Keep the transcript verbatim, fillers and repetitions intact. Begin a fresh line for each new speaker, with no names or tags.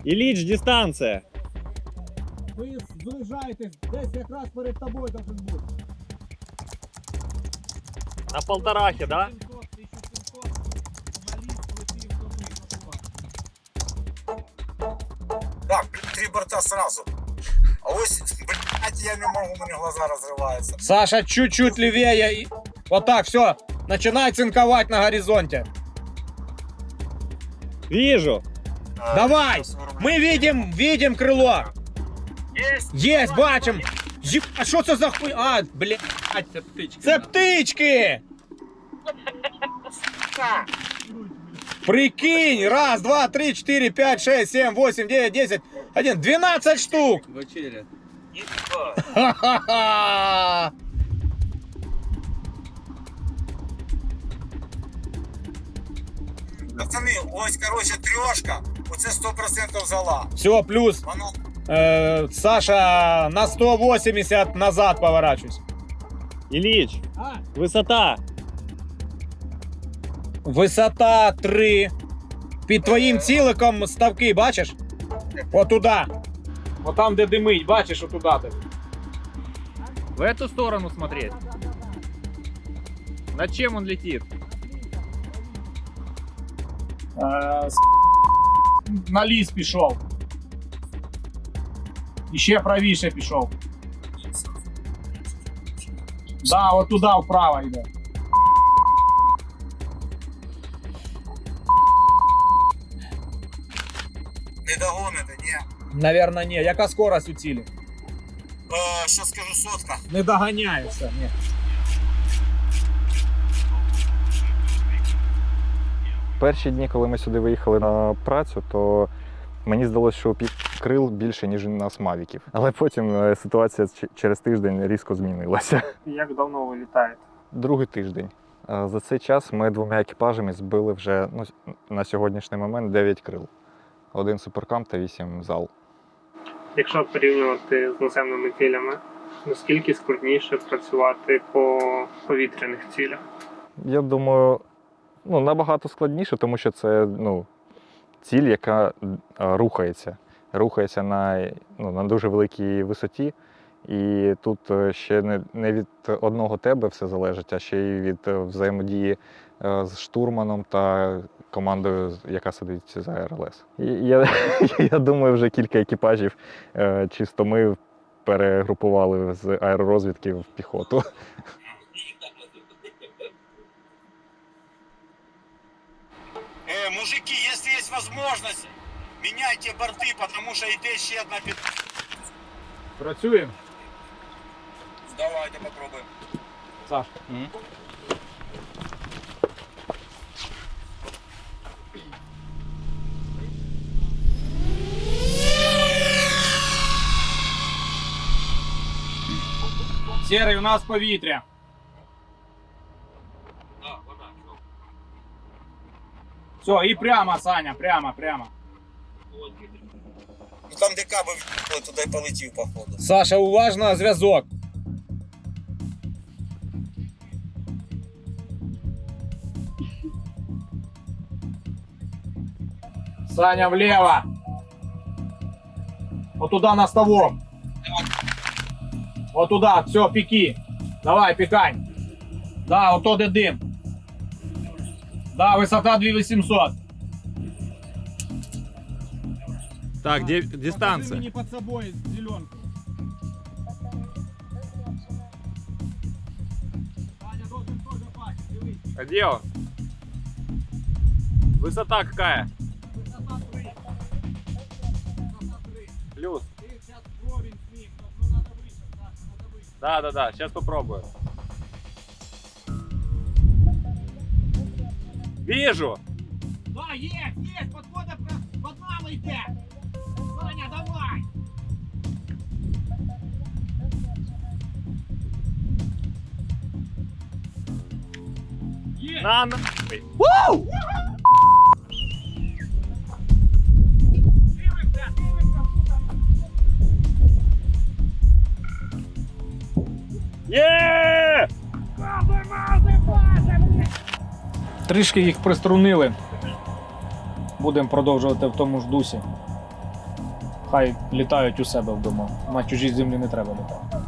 Ілліч, дистанція.
Ви зближаєтесь, десь якраз перед тобою должен бути.
На полторахи, да?
сімсот, тисяча сімсот, на ліс летів до
Так, три борта сразу. А ось, блядь, я не можу, у мене глаза розриваються.
Саша, чуть-чуть левее. И... Вот так, все. Начинай цинковать на горизонте.
Вижу.
Давай! Мы видим, видим крыло.
Есть!
Есть, бачим. Еб... А що це за хуй? А, блядь.
Це птички.
Це птички! Прикинь! Раз, два, три, четыре, пять, шесть, семь, восемь, девять, десять, один, двенадцать штук!
Вечеря.
Ха-ха-ха!
Пацани, ось, короче, трьошка, оце сто відсотків зала.
Все, плюс.
Воно...
Э, Саша, на сто восемьдесят назад поворачивайся.
Ілліч, висота.
Висота три. Під твоїм ціликом ставки, бачиш? Отуда. От там, де димить, бачиш, отуда ти.
В эту сторону смотреть. Над чем он летит?
Е, с- На ліс пішов. І ще правіше пішов. Да, от туди вправо йде.
Не догоните, ні.
Наверно, ні. Яка скорость у цілі?
Е, що скажу, сотка.
Не доганяє все, ні.
Перші дні, коли ми сюди виїхали на працю, то мені здалося, що під крил більше, ніж у нас мавіків. Але потім е, ситуація ч- через тиждень різко змінилася.
Як давно ви літаєте?
Другий тиждень. Е, За цей час ми двома екіпажами збили вже ну, на сьогоднішній момент дев'ять крил. Один суперкам та вісім зал.
Якщо порівнювати з наземними цілями, наскільки складніше працювати по повітряних цілях?
Я думаю, ну, набагато складніше, тому що це ну, ціль, яка е, рухається. Рухається на, ну, на дуже великій висоті. І тут е, ще не, не від одного тебе все залежить, а ще й від е, взаємодії е, з штурманом та командою, яка сидить за ар ел ес. І я, я думаю, вже кілька екіпажів е, чисто ми перегрупували з аеророзвідки в піхоту.
Е, мужики, якщо є можливість, міняйте борти, тому що йде ще одна під...
Працюємо.
Давайте попробуємо.
Саш. Серий, у нас повітря. Все, і прямо, Саня, прямо, прямо.
Ну там де каби в'їхали, туди й полетів, походу.
Саша, уважно, зв'язок. Саня, влево. Вот туда на ставок. Вот туда, все, пеки. Давай, пекай. Да, вот тот и дым. Да, высота две тысячи восемьсот.
Так, где дистанция?
Не под собой зеленку. Саня должен тоже пасть, дивись.
А где он? Высота какая?
Высота три. Высота три.
Плюс.
Ты сейчас вровень с ним, но надо выше, Саша, надо выше.
Да, да, да, сейчас попробую. Вижу!
Да, есть, есть, подхода под нами идет. Саня, давай. Есть.
На нахуй!
Дивимся, дивимся,
Є!
Трішки їх приструнили. Будемо продовжувати в тому ж дусі. Хай літають у себе вдома. На чужій землі не треба літати.